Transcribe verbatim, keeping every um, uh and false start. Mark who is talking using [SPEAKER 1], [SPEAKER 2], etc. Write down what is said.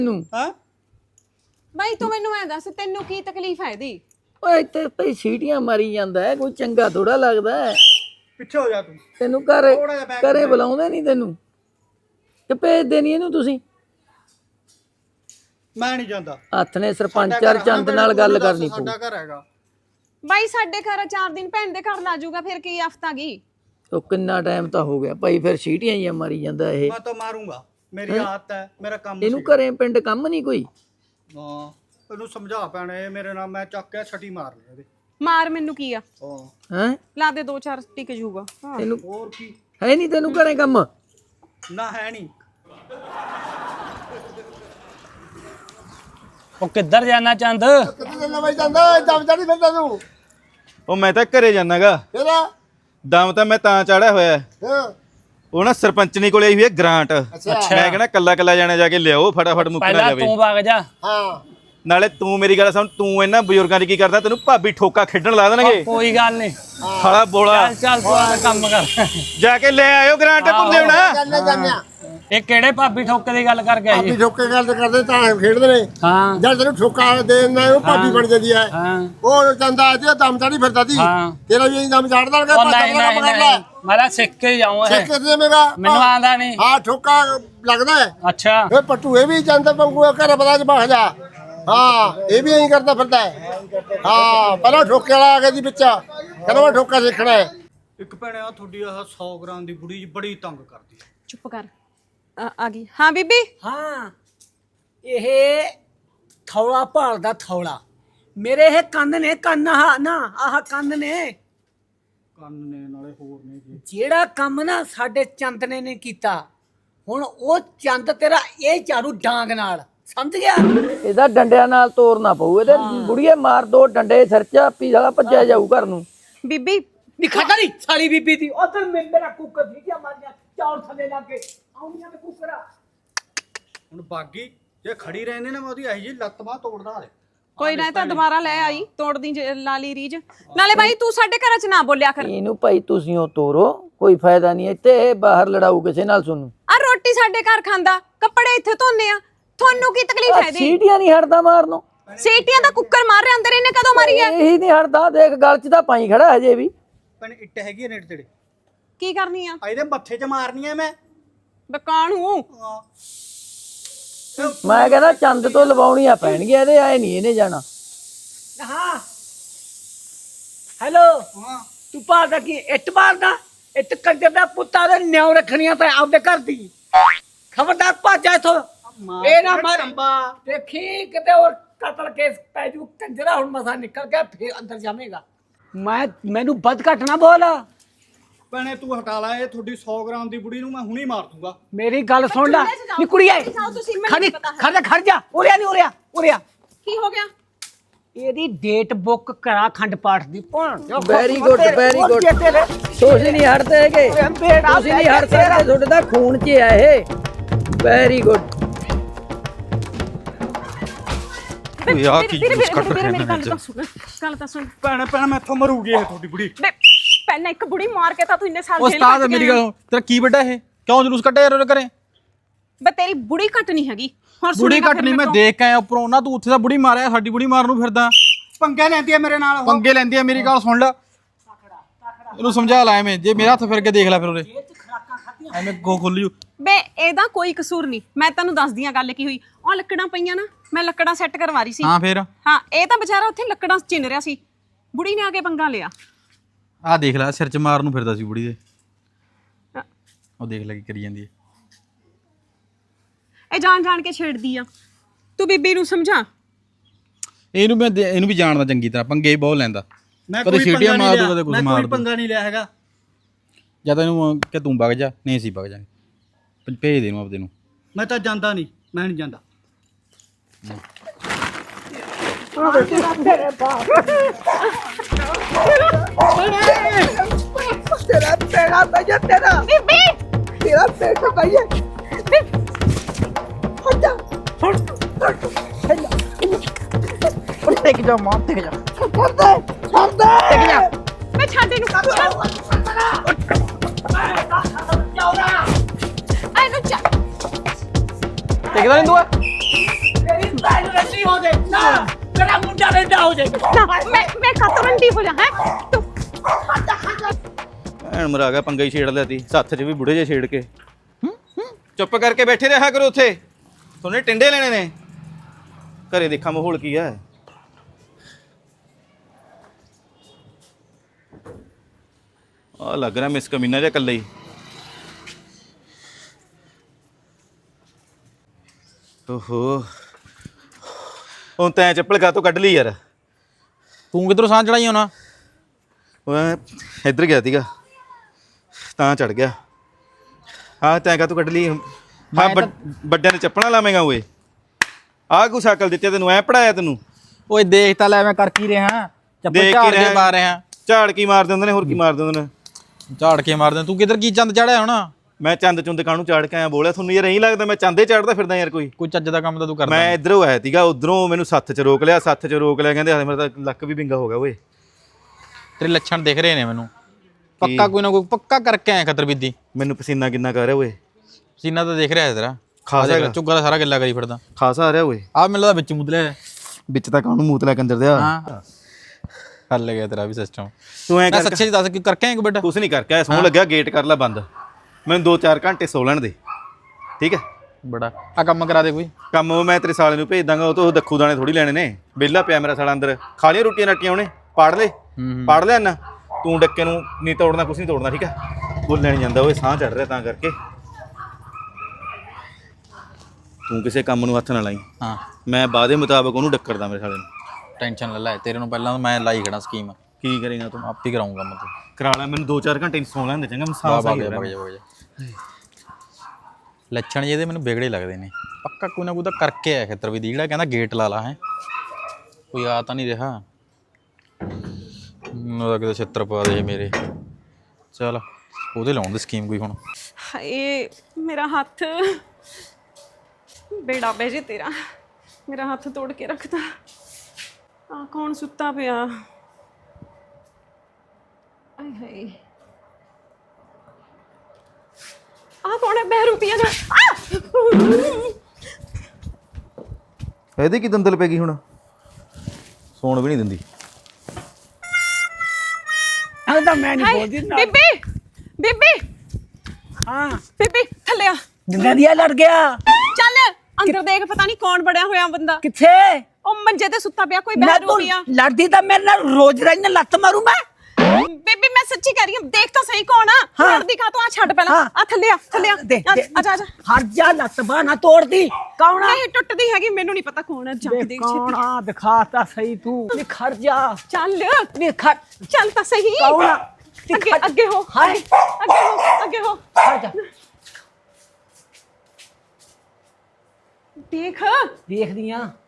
[SPEAKER 1] ਹਾਂ
[SPEAKER 2] ਬਾਈ ਤੂੰ ਮੈਨੂੰ ਐ ਦੱਸ ਤੈਨੂੰ ਕੀ ਤਕਲੀਫ ਹੈ ਇਹਦੀ?
[SPEAKER 3] ਓਏ ਇੱਥੇ ਭਈ ਸੀਟੀਆਂ ਮਾਰੀ ਜਾਂਦਾ ਹੈ, ਕੋਈ ਚੰਗਾ ਥੋੜਾ ਲੱਗਦਾ ਹੈ।
[SPEAKER 1] ਪਿੱਛੇ ਹੋ ਜਾ ਤੂੰ।
[SPEAKER 3] ਤੈਨੂੰ ਘਰੇ ਘਰੇ ਬੁਲਾਉਂਦੇ ਨਹੀਂ ਤੈਨੂੰ ਕਿ ਭੇਜਦੇ ਨਹੀਂ ਇਹਨੂੰ ਤੁਸੀਂ?
[SPEAKER 1] ਮੈਂ ਨਹੀਂ ਜਾਂਦਾ।
[SPEAKER 3] ਹੱਥ ਨੇ ਸਰਪੰਚ ਚਾਰ ਚੰਦ ਨਾਲ ਗੱਲ ਕਰਨੀ ਪਊ।
[SPEAKER 1] ਸਾਡਾ ਘਰ ਹੈਗਾ
[SPEAKER 2] ਬਾਈ ਸਾਡੇ ਘਰ ਚਾਰ ਦਿਨ ਭੈਣ ਦੇ ਘਰ ਲਾ ਜਾਊਗਾ ਫਿਰ ਕੀ ਹਫਤਾ ਗਈ।
[SPEAKER 3] ਉਹ ਕਿੰਨਾ ਟਾਈਮ ਤਾਂ ਹੋ ਗਿਆ ਭਾਈ, ਫਿਰ ਸੀਟੀਆਂ ਹੀ ਮਾਰੀ ਜਾਂਦਾ ਇਹ।
[SPEAKER 1] ਮੈਂ ਤਾਂ ਮਾਰੂੰਗਾ, ਮੇਰੀ ਆਦਤ ਹੈ, ਮੇਰਾ ਕੰਮ
[SPEAKER 3] ਇਹਨੂੰ ਘਰੇ ਪਿੰਡ ਕੰਮ ਨਹੀਂ ਕੋਈ?
[SPEAKER 1] ਹਾਂ ਇਹਨੂੰ ਸਮਝਾ ਪੈਣੇ, ਮੇਰੇ ਨਾਲ ਮੈਂ ਚੱਕ ਕੇ ਛੱਟੀ ਮਾਰ ਲਈ ਇਹਦੇ।
[SPEAKER 2] ਮਾਰ ਮੈਨੂੰ ਕੀ ਆ?
[SPEAKER 1] ਹਾਂ
[SPEAKER 3] ਹੈ
[SPEAKER 2] ਲਾ ਦੇ ਦੋ ਚਾਰ ਟਿਕ ਜੂਗਾ।
[SPEAKER 3] ਤੈਨੂੰ
[SPEAKER 1] ਹੋਰ ਕੀ
[SPEAKER 3] ਹੈ ਨਹੀਂ ਤੈਨੂੰ ਘਰੇ ਕੰਮ?
[SPEAKER 1] ਨਾ ਹੈ ਨਹੀਂ।
[SPEAKER 4] ਉਹ ਕਿੱਧਰ ਜਾਣਾ ਚੰਦ?
[SPEAKER 5] ਕਿੱਥੇ ਚੱਲਣਾ ਬਾਈ ਜਾਂਦਾ ਦਮ ਚੜੀ ਫਿਰਦਾ ਤੂੰ?
[SPEAKER 6] ਉਹ ਮੈਂ ਤਾਂ ਘਰੇ ਜਾਣਾਗਾ।
[SPEAKER 5] ਤੇਰਾ
[SPEAKER 6] ਦਮ ਤਾਂ ਮੈਂ ਤਾਂ ਚਾੜਿਆ ਹੋਇਆ ਹੈ।
[SPEAKER 5] ਹਾਂ
[SPEAKER 6] ਉਹ ਨਾ ਸਰਪੰਚਨੀ ਕੋਲੇ ਆਈ ਹੋਈ ਹੈ ਗ੍ਰਾਂਟ।
[SPEAKER 5] ਅੱਛਾ
[SPEAKER 6] ਮੈਂ ਕਹਿੰਦਾ ਕੱਲਾ ਕੱਲਾ ਜਾਣਾ ਜਾ ਕੇ ਲਿਆਓ, ਫਟਾਫਟ ਮੁੱਕਣਾ
[SPEAKER 4] ਪਹਿਲਾਂ
[SPEAKER 6] ਜਾਵੇ।
[SPEAKER 4] ਤੂੰ ਵਗ ਜਾ।
[SPEAKER 5] ਹਾਂ
[SPEAKER 6] ਨਾਲੇ ਤੂੰ ਮੇਰੀ ਗੱਲ ਸੁਣ, ਤੂੰ ਇਹਨਾਂ ਬਜ਼ੁਰਗਾਂ ਦੀ ਕੀ ਕਰਦਾ? ਤੈਨੂੰ ਭਾਬੀ ਠੋਕਾ ਖੇਡਣ ਲਾ ਦੇਣਗੇ।
[SPEAKER 4] ਕੋਈ ਗੱਲ ਨਹੀਂ,
[SPEAKER 6] ਸਾਲਾ ਬੋਲਾ
[SPEAKER 4] ਚੱਲ ਚੱਲ ਤੂੰ ਆਪਣਾ ਕੰਮ ਕਰ।
[SPEAKER 6] ਜਾ ਕੇ ਲੈ ਆਇਓ ਗ੍ਰਾਂਟ ਭੁੱਲੇ ਹੋਣਾ।
[SPEAKER 5] ਚੱਲਣਾ ਜਾਂਦਿਆ
[SPEAKER 4] ਇਹ ਕਿਹੜੇ ਭਾਬੀ ਠੋਕੇ ਦੀ ਗੱਲ ਕਰਕੇ ਆਈ?
[SPEAKER 5] ਭਾਬੀ ਠੋਕੇ ਗੱਲ ਤੇ ਕਰਦੇ ਤਾਂ ਖੇਡਦੇ ਨੇ।
[SPEAKER 4] ਹਾਂ
[SPEAKER 5] ਜਦ ਤੈਨੂੰ ਠੋਕਾ ਦੇਣਾ ਉਹ ਭਾਬੀ ਬਣ ਜਾਂਦੀ ਹੈ।
[SPEAKER 4] ਹਾਂ
[SPEAKER 5] ਉਹ ਜਾਂਦਾ ਤੇ ਦਮ ਚੜੀ ਫਿਰਦਾ ਸੀ।
[SPEAKER 4] ਹਾਂ।
[SPEAKER 5] ਤੇਰਾ ਵੀ ਦਮ ਚੜਦਾ ਲਗਾ
[SPEAKER 4] ਉਹ ਨਹੀਂ ਨਹੀਂ ਨਹੀਂ ਮੈਂ ਸਿੱਖ ਕੇ ਜਾਊਂ ਇਹ।
[SPEAKER 5] ਸਿੱਖ ਕੇ ਮੇਰਾ
[SPEAKER 4] ਮੈਨੂੰ ਆਂਦਾ ਨਹੀਂ।
[SPEAKER 5] ਹਾਂ ਠੋਕਾ ਲੱਗਦਾ ਹੈ।
[SPEAKER 4] ਅੱਛਾ
[SPEAKER 5] ਇਹ ਪੱਟੂ ਇਹ ਵੀ ਜਾਂਦਾ ਪੰਗੂ ਘਰ ਪਤਾ ਚ ਬਖ ਜਾ। ਹਾਂ ਇਹ ਵੀ ਐਂ ਕਰਦਾ ਫਿਰਦਾ ਹੈ। ਹਾਂ ਪਹਿਲਾਂ ਠੋਕੇ ਵਾਲਾ ਆ ਗਿਆ ਜੀ ਵਿੱਚ, ਕਹਿੰਦਾ ਮੈਂ ਠੋਕਾ ਸਿੱਖਣਾ ਹੈ।
[SPEAKER 1] ਇੱਕ ਭੈਣੇ ਆ ਤੁਹਾਡੀ ਆਹ ਸੌ ਗ੍ਰਾਮ ਦੀ ਬੁੜੀ ਬੜੀ ਤੰਗ ਕਰਦੀ ਹੈ।
[SPEAKER 2] ਚੁੱਪ ਕਰ। ਆ ਆ ਗਈ। ਹਾਂ ਬੀਬੀ
[SPEAKER 7] ਹਾਂ ਇਹ ਥੌਲਾ ਭਾਲਦਾ ਥੌਲਾ। ਮੇਰੇ ਇਹ ਕੰਨ ਨੇ ਕੰਨ ਆਹ ਨਾ ਆਹ ਕੰਨ ਨੇ।
[SPEAKER 1] ਕੰਨ ਨੇ ਨਾਲੇ ਹੋਰ ਨੇ ਜੀ।
[SPEAKER 7] ਜਿਹੜਾ ਕੰਮ ਨਾ ਸਾਡੇ ਚੰਦ ਨੇ ਨੇ ਕੀਤਾ, ਹੁਣ ਉਹ ਚੰਦ ਤੇਰਾ ਇਹ ਚਾਰੂ ਡਾਂਗ ਨਾਲ, ਸਮਝ ਗਿਆ?
[SPEAKER 3] ਇਹਦਾ ਡੰਡਿਆਂ ਨਾਲ ਤੋੜਨਾ ਪਊ ਇਹਦੇ। ਬੁੜੀਏ ਮਾਰ ਦੋ ਡੰਡੇ ਸਿਰ ਚ, ਆਪੀ ਸਾਲਾ ਭੱਜਿਆ ਜਾਊ ਘਰ ਨੂੰ।
[SPEAKER 2] ਬੀਬੀ
[SPEAKER 7] ਨੀ ਖੜਾ ਨਹੀਂ ਸਾਲੀ ਬੀਬੀ ਦੀ ਉਧਰ ਮੇਰਾ ਕੁੱਕਰ ਵੀ ਗਿਆ ਮਾਰਿਆ ਚੌਲ ਥੱਲੇ ਲੱਗ ਕੇ ਆਉਂਦੀਆਂ ਤੇ ਕੁੱਕਰਾ।
[SPEAKER 1] ਹੁਣ ਬਾਗੀ ਜੇ ਖੜੀ ਰਹਿੰਦੇ ਨਾ ਮੈਂ ਉਹਦੀ ਇਹੀ ਜੀ ਲੱਤ ਬਾਹ ਤੋੜਦਾ ਹਾਲੇ।
[SPEAKER 2] ਕੋਈ ਨਾ ਇਹ ਤਾਂ ਦੁਬਾਰਾ ਲੈ ਆਈ ਤੋੜਦੀ ਜੇ ਲਾਲੀ ਰੀਜ। ਨਾਲੇ ਬਾਈ ਤੂੰ ਸਾਡੇ ਘਰ ਚ ਨਾ ਬੋਲਿਆ ਕਰ।
[SPEAKER 3] ਇਹਨੂੰ ਭਾਈ ਤੁਸੀਂ ਉਹ ਤੋਰੋ, ਕੋਈ ਫਾਇਦਾ ਨਹੀਂ ਇੱਥੇ। ਇਹ ਬਾਹਰ ਲੜਾਊ ਕਿਸੇ ਨਾਲ ਸੁਣੂ।
[SPEAKER 2] ਆ ਰੋਟੀ ਸਾਡੇ ਘਰ ਖਾਂਦਾ, ਕੱਪੜੇ ਇੱਥੇ ਧੋਨੇ ਆ, ਤੁਹਾਨੂੰ ਕੀ ਤਕਲੀਫ ਹੈ ਇਹਦੀ?
[SPEAKER 3] ਸੀਟੀਆਂ ਨਹੀਂ ਹਟਦਾ ਮਾਰਨੋਂ।
[SPEAKER 2] ਸੀਟੀਆਂ ਦਾ ਕੁੱਕਰ ਮਾਰ ਰਿਹਾ ਅੰਦਰ, ਇਹਨੇ ਕਦੋਂ ਮਾਰੀ ਹੈ?
[SPEAKER 3] ਇਹੀ ਨਹੀਂ ਹਟਦਾ, ਦੇਖ ਗਲ ਚ ਤਾਂ ਪਾਈ ਖੜਾ ਹਜੇ ਵੀ।
[SPEAKER 1] ਭੈਣੇ ਇੱਟ ਹੈਗੀ ਨੇੜੇ ਤੇੜੇ,
[SPEAKER 2] ਕੀ ਕਰਨੀ ਆ?
[SPEAKER 1] ਇਹਦੇ ਮੱਥੇ 'ਚ ਮਾਰਨੀ ਆ ਮੈਂ।
[SPEAKER 2] ਬਕਾਨ ਹੂੰ।
[SPEAKER 1] ਹਾਂ
[SPEAKER 3] ਮੈਂ ਕਹਿੰਦਾ ਚੰਦ ਤੋਂ ਲਵਾਉਣੀਆਂ ਪੈਣਗੀਆਂ ਇਹਦੇ, ਆਏ ਨਹੀਂ ਇਹਨੇ ਜਾਣਾ।
[SPEAKER 7] ਹਾਂ ਹੈਲੋ
[SPEAKER 1] ਹਾਂ
[SPEAKER 7] ਤੂੰ ਭਾਲਦਾ ਕੀ ਇੱਟ ਮਾਰਦਾ? ਇੱਟ ਕੰਜਰ ਦਾ ਪੁੱਤਾਂ ਦੇ ਨਿਉ ਰੱਖਣੀਆਂ ਤਾਂ ਆਪਦੇ ਘਰ ਦੀ। ਖਬਰਦਾਰ ਭੱਜ ਜਾ ਇਥੋਂ। ਇਹ ਨਾ ਮਾਰ ਦੇਖੀ ਕਿਤੇ ਹੋਰ ਕਤਲ ਕੇਸ ਪੈ ਜੂ ਕੰਜਰਾ। ਹੁਣ ਮਸਾ ਨਿਕਲ ਗਿਆ ਫੇਰ ਅੰਦਰ ਜਾਵੇਗਾ। ਮੈਂ ਮੈਨੂੰ ਵੱਧ ਘੱਟ ਨਾ ਬੋਲ।
[SPEAKER 1] ਭੈਣੇ ਤੂੰ ਹਟਾ ਲੈ, ਇਹ ਤੁਹਾਡੀ ਸੌ ਗ੍ਰਾਮ ਦੀ ਬੁੜੀ ਨੂੰ ਮੈਂ ਹੁਣੀ ਮਾਰ ਦੂੰਗਾ।
[SPEAKER 7] ਮੇਰੀ ਗੱਲ ਸੁਣ ਲੈ ਨੀ ਕੁੜੀਏ, ਖੜੀ ਖੜ ਜਾ ਖੜ ਜਾ। ਉਰਿਆ ਨਹੀਂ ਉਰਿਆ ਉਰਿਆ।
[SPEAKER 2] ਕੀ ਹੋ ਗਿਆ?
[SPEAKER 7] ਇਹਦੀ ਡੇਟ ਬੁੱਕ ਕਰਾ ਖੰਡ ਪਾਠ ਦੀ।
[SPEAKER 3] Very good very good. ਤੁਸੀਂ ਨਹੀਂ ਹਟਦੇ ਹੈਗੇ, ਤੁਸੀਂ ਨਹੀਂ ਹਟ ਸਕਦੇ, ਤੁਹਾਡੇ ਤਾਂ ਖੂਨ 'ਚ ਆ ਇਹ। Very good.
[SPEAKER 6] ਓਏ ਆ ਕੀ
[SPEAKER 2] ਵੀਰੇ,
[SPEAKER 6] ਜੂਸ ਕੱਢ
[SPEAKER 2] ਵੀਰੇ,
[SPEAKER 6] ਰਹੇ
[SPEAKER 2] ਮੇਰੀ
[SPEAKER 6] ਨੇ
[SPEAKER 2] ਗੱਲ
[SPEAKER 6] ਅੱਜ।
[SPEAKER 2] ਤਾਂ ਸੁਣ, ਗੱਲ ਤਾਂ ਸੁਣ।
[SPEAKER 1] ਭੈਣੇ ਭੈਣੇ ਮੈਥੋਂ ਮਰੂਗੀ ਇਹ ਤੁਹਾਡੀ ਬੁੜੀ।
[SPEAKER 2] ਬੇ ਪਹਿਲਾਂ ਇੱਕ ਬੁੜੀ ਮਾਰ ਕੇ ਤਾਂ ਤੂੰ ਇੰਨੇ ਸਾਲ ਜੇਲ੍ਹ
[SPEAKER 6] ਉਸਤਾਦ
[SPEAKER 2] ਕੱਟ
[SPEAKER 6] ਮੇਰੀ
[SPEAKER 2] ਕੇ ਆਇਆ।
[SPEAKER 6] ਗੱਲ, ਤੇਰਾ ਕੀ ਵੱਡਾ ਇਹ? ਕਿਉਂ ਜਲੂਸ ਕੱਢਿਆ ਯਾਰ ਉਹਦੇ ਘਰੇ?
[SPEAKER 2] ਬੇ ਤੇਰੀ ਬੁੜੀ ਘੱਟ ਨਹੀਂ ਹੈਗੀ। ਹੋਰ
[SPEAKER 6] ਬੁੜੀ
[SPEAKER 2] ਸੁਣੇਗਾ
[SPEAKER 6] ਘੱਟ
[SPEAKER 2] ਫਿਰ
[SPEAKER 6] ਨਹੀਂ, ਮੈਂ
[SPEAKER 2] ਮੇਰੇ
[SPEAKER 6] ਦੇਖ ਕੇ ਆਇਆ ਉੱਪਰੋਂ ਨਾ। ਤੂੰ ਉੱਥੇ ਦਾ ਬੁੜੀ ਮਾਰਿਆ, ਸਾਡੀ ਬੁੜੀ ਮਾਰਨ ਨੂੰ ਫਿਰਦਾ।
[SPEAKER 1] ਪੰਗੇ ਲੈਂਦੀ ਆ ਮੇਰੇ ਨਾਲ ਉਹ।
[SPEAKER 6] ਪੰਗੇ ਲੈਂਦੀ ਆ, ਮੇਰੀ ਗੱਲ ਸੁਣ ਲੈ। ਇਹਨੂੰ ਸਮਝਾ ਲਾ ਐਵੇਂ, ਜੇ ਮੇਰਾ ਹੱਥ ਫਿਰ ਕੇ ਦੇਖ ਲੈ ਫਿਰ ਉਹਦੇ ਐਵੇਂ ਗੋ ਖੋਲੀ।
[SPEAKER 2] ਬੇ ਇਹਦਾ ਕੋਈ ਕਸੂਰ ਨਹੀਂ। ਮੈਂ ਤੈਨੂੰ ਦੱਸਦੀ ਆ ਗੱਲ ਕੀ ਹੋਈ। ਉਹ ਲੱਕੜਾਂ ਪਈਆਂ ਨਾ, ਮੈਂ ਲੱਕੜਾਂ ਸੈੱਟ ਕਰਵਾ ਰਹੀ ਸੀ।
[SPEAKER 6] ਹਾਂ ਫਿਰ
[SPEAKER 2] ਹਾਂ ਇਹ ਤਾਂ ਵਿਚਾਰਾ ਉੱਥੇ ਲੱਕੜਾਂ ਚਿੰਨ ਰਿਹਾ ਸੀ, ਬੁੜੀ ਨੇ ਆ ਕੇ ਪੰਗਾ ਲਿਆ।
[SPEAKER 6] ਆਹ ਦੇਖ ਲੈ, ਸਿਰ 'ਚ ਮਾਰਨ ਨੂੰ ਫਿਰਦਾ ਸੀ ਬੁੜੀ ਦੇ। ਉਹ ਦੇਖ ਲੈ ਕੀ ਕਰੀ ਜਾਂਦੀ ਹੈ।
[SPEAKER 2] ਇਹ ਜਾਣ ਜਾਣ ਕੇ ਛੇੜਦੀ ਆ। ਤੂੰ ਬੀਬੀ ਨੂੰ ਸਮਝਾ।
[SPEAKER 6] ਇਹਨੂੰ ਮੈਂ ਦੇ- ਇਹਨੂੰ ਵੀ ਜਾਣਦਾ ਚੰਗੀ ਤਰ੍ਹਾਂ, ਪੰਗੇ ਬਹੁਤ ਲੈਂਦਾ।
[SPEAKER 1] ਮੈਂ
[SPEAKER 6] ਕਦੇ
[SPEAKER 1] ਕੋਈ
[SPEAKER 6] ਸੀਟੀਆਂ
[SPEAKER 1] ਪੰਗਾ
[SPEAKER 6] ਮਾਰ
[SPEAKER 1] ਨਹੀਂ
[SPEAKER 6] ਦੂ, ਕਦੇ
[SPEAKER 1] ਲਿਆ,
[SPEAKER 6] ਕੁਝ
[SPEAKER 1] ਮੈਂ
[SPEAKER 6] ਮਾਰ
[SPEAKER 1] ਕੋਈ
[SPEAKER 6] ਦੂ।
[SPEAKER 1] ਪੰਗਾ ਨਹੀਂ ਲਿਆ ਹੈਗਾ।
[SPEAKER 6] ਜਾਂ ਤਾਂ ਇਹਨੂੰ ਕਿ ਤੂੰ ਵਗ ਜਾ, ਨਹੀਂ ਅਸੀਂ ਵਗ ਜਾਾਂਗੇ। ਭੇਜ ਦੇ ਇਹਨੂੰ ਆਪਦੇ ਨੂੰ।
[SPEAKER 1] ਮੈਂ ਤਾਂ ਜਾਂਦਾ ਨਹੀਂ, ਮੈਂ ਨਹੀਂ ਜਾਂਦਾ।
[SPEAKER 7] ਤੇਰਾ ਤੇਰਾ ਬਜਾ ਤੇਰਾ
[SPEAKER 2] ਬੀਬੀ
[SPEAKER 7] ਤੇਰਾ ਪੇਟ ਪਾਈਏ। ਹਟ ਜਾ ਹਟ
[SPEAKER 3] ਟਿਕ ਜਾ ਮਾਂ, ਟਿਕ ਜਾ।
[SPEAKER 7] ਛੱਡ ਦੇ ਛੱਡ ਦੇ
[SPEAKER 3] ਟਿਕ ਜਾ।
[SPEAKER 2] ਮੈਂ ਛੱਡ ਇਹਨੂੰ। ਇਹਨੂੰ ਚੱਲ।
[SPEAKER 3] ਟਿਕਦਾ ਨਹੀਂ ਤੂੰ?
[SPEAKER 7] ਨਾ ਤੇਰਾ ਮੁੰਡਾ ਰਹਿੰਦਾ ਹੋ ਜਾਏ
[SPEAKER 2] ਨਾ ਮੈਂ ਮੈਂ ਕਤਰੰਡੀ ਹੋ ਜਾ ਹੈ ਤੂੰ
[SPEAKER 6] ਭੈਣ ਮਰਾ ਗਿਆ ਪੰਗਾ ਹੀ ਛੇੜ ਲਿਆ ਤੀ ਸੱਥ 'ਚ ਵੀ ਬੁੜੇ ਜੇ ਛੇੜ ਕੇ ਚੁੱਪ ਕਰਕੇ ਬੈਠੇ ਰਿਹਾ ਕਰੋ ਉੱਥੇ ਤੁਹਾਨੂੰ ਟਿੰਡੇ ਲੈਣੇ ਨੇ ਘਰੇ ਦੇਖਾਂ ਮਾਹੌਲ ਕੀ ਹੈ ਆ ਲੱਗ ਰਿਹਾ ਮਿਸ ਕਮੀਨਾ ਜਿਹਾ ਇਕੱਲਾ ਹੀ ਓਹੋ ਹੁਣ ਤੈਂ ਚੱਪਲ ਕਾ ਤੋਂ ਕੱਢ ਲਈ ਯਾਰ
[SPEAKER 8] ਤੂੰ ਕਿੱਧਰੋਂ ਸਾਹ ਚੜਾਈ ਹੋਣਾ
[SPEAKER 6] ਮੈਂ ਇੱਧਰ ਗਿਆ ਸੀਗਾ ਤਾਂ ਚੜ ਗਿਆ ਹਾਂ ਤੈਂ ਕਾ ਤੋਂ ਕੱਢ ਲਈ ਹਾਂ ਵੱਡਿਆਂ ਨੇ ਚੱਪਲਾਂ ਲਾਵੇਂਗਾ ਓਏ ਆਹ ਕੋ ਸਾਈਕਲ ਦਿੱਤੇ ਤੈਨੂੰ ਐ ਪੜਾਇਆ ਤੈਨੂੰ
[SPEAKER 8] ਓਏ ਦੇਖ ਤਾਂ ਲੈ ਮੈਂ ਕਰ ਕੀ ਰਿਹਾ ਚੱਪਲ
[SPEAKER 6] ਦੇਖ
[SPEAKER 8] ਝਾੜ
[SPEAKER 6] ਕੀ
[SPEAKER 8] ਕੇ
[SPEAKER 6] ਰਿਹਾ।
[SPEAKER 8] ਪਾ ਰਿਹਾ
[SPEAKER 6] ਝਾੜ ਕੀ ਮਾਰ ਦਿੰਦੇ ਨੇ ਹੋਰ ਕੀ ਮਾਰ ਦਿੰਦੇ ਨੇ
[SPEAKER 8] ਝਾੜ ਕੇ ਮਾਰਦੇ ਤੂੰ ਕਿੱਧਰ ਕੀ ਚੰਦ ਚੜਿਆ ਹੋਣਾ
[SPEAKER 6] ਮੈਂ ਚੰਦ ਚੁੰਦ ਕਾਹਨੂੰ ਚਾੜ ਕੇ ਆਇਆ ਬੋਲਿਆ ਤੁਹਾਨੂੰ ਯਾਰ ਨਹੀਂ ਲੱਗਦਾ ਮੈਂ ਚੰਦੇ ਚੜਦਾ ਫਿਰਦਾ ਯਾਰ ਕੋਈ
[SPEAKER 8] ਕੋਈ ਚੱਜ ਦਾ ਕੰਮ ਤਾਂ ਤੂੰ ਕਰਦਾ
[SPEAKER 6] ਮੈਂ ਇੱਧਰੋਂ ਆਇਆ ਸੀਗਾ ਉਧਰੋਂ ਮੈਨੂੰ ਸੱਥ 'ਚ ਰੋਕ ਲਿਆ ਸੱਥ 'ਚ ਰੋਕ ਲਿਆ ਕਹਿੰਦੇ ਹਾਲੇ ਮੇਰਾ ਤਾਂ ਲੱਕ ਵੀ ਵਿੰਗਾ ਹੋ ਗਿਆ ਓਏ
[SPEAKER 8] ਤੇਰੇ ਲੱਛਣ ਦਿਖ ਰਹੇ ਨੇ ਮੈਨੂੰ ਪੱਕਾ ਕੋਈ ਨਾ ਕੋਈ ਪੱਕਾ ਕਰਕੇ ਆਇਆ ਖਤਰਬੀਦੀ
[SPEAKER 6] ਮੈਨੂੰ ਪਸੀਨਾ ਕਿੰਨਾ ਕਰ ਰਿਹਾ ਓਏ
[SPEAKER 8] ਸੀਨਾ ਤਾਂ ਦੇਖ ਰਿਹਾ ਹੈ ਤੇਰਾ
[SPEAKER 6] ਖਾਸਾ ਹੈਗਾ।
[SPEAKER 8] ਚੁੱਗਾ ਦਾ ਸਾਰਾ ਗੱਲਾ ਕਰੀ ਫਿਰਦਾ
[SPEAKER 6] ਖਾਸਾ ਆ ਰਿਹਾ ਓਏ
[SPEAKER 8] ਆ ਮੈਨੂੰ ਲੱਗਦਾ ਵਿੱਚ ਮੁੱਦਲਿਆ
[SPEAKER 6] ਵਿੱਚ ਤਾਂ ਕਾਹਨੂੰ ਮੂਤ ਲੈ ਕੰਦਰ ਦਿਆ
[SPEAKER 8] ਹਾਂ ਹੱਲ ਗਿਆ ਤੇਰਾ ਵੀ ਸਿਸਟਮ
[SPEAKER 6] ਤੂੰ ਐ
[SPEAKER 8] ਮੈਂ
[SPEAKER 6] ਕਰ
[SPEAKER 8] ਸੱਚੇ ਦੱਸ ਕੀ ਕਰਕੇ ਆਇਆ ਇੱਕ ਬੇਟਾ
[SPEAKER 6] ਕੁਛ ਨਹੀਂ ਕਰਕੇ ਆਇਆ ਸੌਂ ਲੱਗਿਆ ਗੇਟ ਕਰ ਲੈ ਬੰਦ ਮੈਨੂੰ ਦੋ ਚਾਰ ਘੰਟੇ ਸੌ ਲੈਣ ਦੇ ਠੀਕ ਹੈ
[SPEAKER 8] ਬੜਾ ਆ ਕੰਮ ਕਰਾ ਦੇ ਕੋਈ
[SPEAKER 6] ਕੰਮ ਉਹ ਮੈਂ ਤੇਰੇ ਸਾਲੇ ਨੂੰ ਭੇਜ ਦਾਂਗਾ ਉਹ ਤੋਂ ਦੱਖੂ ਦਾਣੇ ਥੋੜੀ ਲੈਣੇ ਨੇ ਵਿਹਲਾ ਪਿਆ ਮੇਰਾ ਸਾਲਾ ਅੰਦਰ ਖਾ ਲਿਆ ਰੋਟੀਆਂ ਰਾਟੀਆਂ ਉਹਨੇ ਪਾੜ ਲੈ ਪਾੜ ਲਿਆ ਨਾ ਤੂੰ ਡੱਕੇ ਨੂੰ ਨਹੀਂ ਤੋੜਨਾ ਕੁਛ ਨਹੀਂ ਤੋੜਨਾ ਠੀਕ ਹੈ ਬੋਲਣ ਨਹੀਂ ਜਾਂਦਾ ਓਏ ਸਾਹ ਚੜ ਰਿਹਾ ਤਾਂ ਕਰਕੇ ਤੂੰ ਕਿਸੇ ਕੰਮ ਨੂੰ ਹੱਥ ਨਾ ਲਾਈ
[SPEAKER 8] ਹਾਂ
[SPEAKER 6] ਮੈਂ ਵਾਅਦੇ ਮੁਤਾਬਕ ਉਹਨੂੰ ਡੱਕਰਦਾ ਮੇਰੇ ਸਾਲੇ ਨੂੰ
[SPEAKER 8] ਟੈਨਸ਼ਨ ਲੈ ਲੈ ਤੇਰੇ ਨੂੰ ਪਹਿਲਾਂ ਤਾਂ ਮੈਂ ਲਾਈ ਖੜਾ ਸਕੀਮ
[SPEAKER 6] ਕੀ ਕਰੇਗਾ ਤੂੰ
[SPEAKER 8] ਆਪ ਹੀ ਕਰਾਉਂਗਾ ਮੈਂ ਤੂੰ
[SPEAKER 6] ਕਰਾ ਲੈ ਮੈਨੂੰ ਦੋ ਚਾਰ ਘੰਟੇ ਸੌ ਲੈਣ ਦੇ ਚੰਗਾ ਮੈਂ ਸਾਹ
[SPEAKER 8] ਵਾਹ
[SPEAKER 6] ਸਾਹ
[SPEAKER 8] ਵਾਹ ਜਾ ਵਾਹ ਜਾ ਲੱਛਣ ਜਿਹਦੇ ਮੈਨੂੰ ਵਿਗੜੇ ਲੱਗਦੇ ਨੇ ਪੱਕਾ ਕੋਈ ਨਾ ਕੋਈ ਤਾਂ ਕਰਕੇ ਆਇਆ ਖੇਤਰ ਵੀ ਦੀ ਜਿਹੜਾ ਕਹਿੰਦਾ ਗੇਟ ਲਾ ਲਾ ਹੈ ਕੋਈ ਆ ਤਾਂ ਨਹੀਂ ਰਿਹਾ ਉਹਦਾ ਕਿਤੇ ਛਿੱਤਰ ਪਾ ਦੇ ਮੇਰੇ ਚਲ ਉਹਦੇ ਲਾਉਣ ਦੀ ਸਕੀਮ ਕੋਈ ਹੁਣ
[SPEAKER 2] ਹਾਏ ਮੇਰਾ ਹੱਥ ਬੇੜਾ ਬਹਿ ਜੇ ਤੇਰਾ ਮੇਰਾ ਹੱਥ ਤੋੜ ਕੇ ਰੱਖਦਾ ਆ ਕੌਣ ਸੁੱਤਾ ਪਿਆ ਆਏ ਹਾਏ ਆ ਕੌਣ ਹੈ ਬਹਿਰੂਪੀਆ ਦਾ
[SPEAKER 6] ਇਹਦੇ ਕੀ ਦੰਦਲ ਪੈ ਗਈ ਹੁਣ ਸੌਣ ਵੀ ਨਹੀਂ ਦਿੰਦੀ
[SPEAKER 7] ਇਹ ਤਾਂ ਮੈਂ ਨਹੀਂ
[SPEAKER 2] ਹਾਏ
[SPEAKER 7] ਬੋਲਦੀ ਨਾ
[SPEAKER 2] ਬੀਬੀ ਬੀਬੀ
[SPEAKER 7] ਹਾਂ
[SPEAKER 2] ਬੀਬੀ ਥੱਲੇ ਆ
[SPEAKER 7] ਨਦੀਆ ਲੜ ਗਿਆ
[SPEAKER 2] ਚੱਲ ਅੰਦਰ ਦੇਖ ਪਤਾ ਨਹੀਂ ਕੌਣ ਬੜਿਆ ਹੋਇਆ ਬੰਦਾ
[SPEAKER 7] ਕਿੱਥੇ
[SPEAKER 2] ਉਹ ਮੰਜੇ ਤੇ ਸੁੱਤਾ ਪਿਆ ਕੋਈ
[SPEAKER 7] ਮੈਂ ਤੂੰ
[SPEAKER 2] ਬਹਿਰੂਪੀਆ
[SPEAKER 7] ਲੜਦੀ ਤਾਂ ਮੇਰੇ ਨਾਲ ਰੋਜ਼ ਰਹਿ ਲੱਤ ਮਾਰੂ ਮੈਂ
[SPEAKER 2] ਬੀਬੀ ਮੈਂ ਸੱਚੀ ਕਹਿ ਰਹੀ ਹਾਂ ਦੇਖ ਤਾਂ ਸਹੀ ਕੌਣ ਆ ਲੜਦੀ ਕਾ ਤੂੰ ਆ ਛੱਡ ਪਹਿਲਾਂ
[SPEAKER 7] ਹਾਂ।
[SPEAKER 2] ਆ ਥੱਲੇ ਆ ਥੱਲੇ ਆ
[SPEAKER 7] ਦੇ
[SPEAKER 2] ਆ ਜਾ ਜਾ
[SPEAKER 7] ਹਰ ਜਾ ਲੱਤ ਬਾਹ ਨਾ ਤੋੜਦੀ ਕੌਣ ਆ
[SPEAKER 2] ਨਹੀਂ ਟੁੱਟਦੀ ਹੈਗੀ ਮੈਨੂੰ ਨਹੀਂ ਪਤਾ ਕੌਣ ਹੈ ਜਾ ਕੇ ਦੇਖ
[SPEAKER 7] ਕੌਣ
[SPEAKER 2] ਛੇਤੀ
[SPEAKER 7] ਆ ਦਿਖਾ ਤਾਂ ਸਹੀ ਤੂੰ ਨਿਖਰ ਜਾ
[SPEAKER 2] ਚੱਲ
[SPEAKER 7] ਨਿਖਰ
[SPEAKER 2] ਚੱਲ ਤਾਂ ਸਹੀ
[SPEAKER 7] ਕੌਣ ਆ
[SPEAKER 2] ਅੱਗੇ ਅੱਗੇ ਹੋ
[SPEAKER 7] ਹਾਏ
[SPEAKER 2] ਅੱਗੇ ਹੋ ਅੱਗੇ ਹੋ
[SPEAKER 7] ਆ ਜਾ
[SPEAKER 2] ਦੇਖ
[SPEAKER 7] ਦੇਖਦੀ ਆ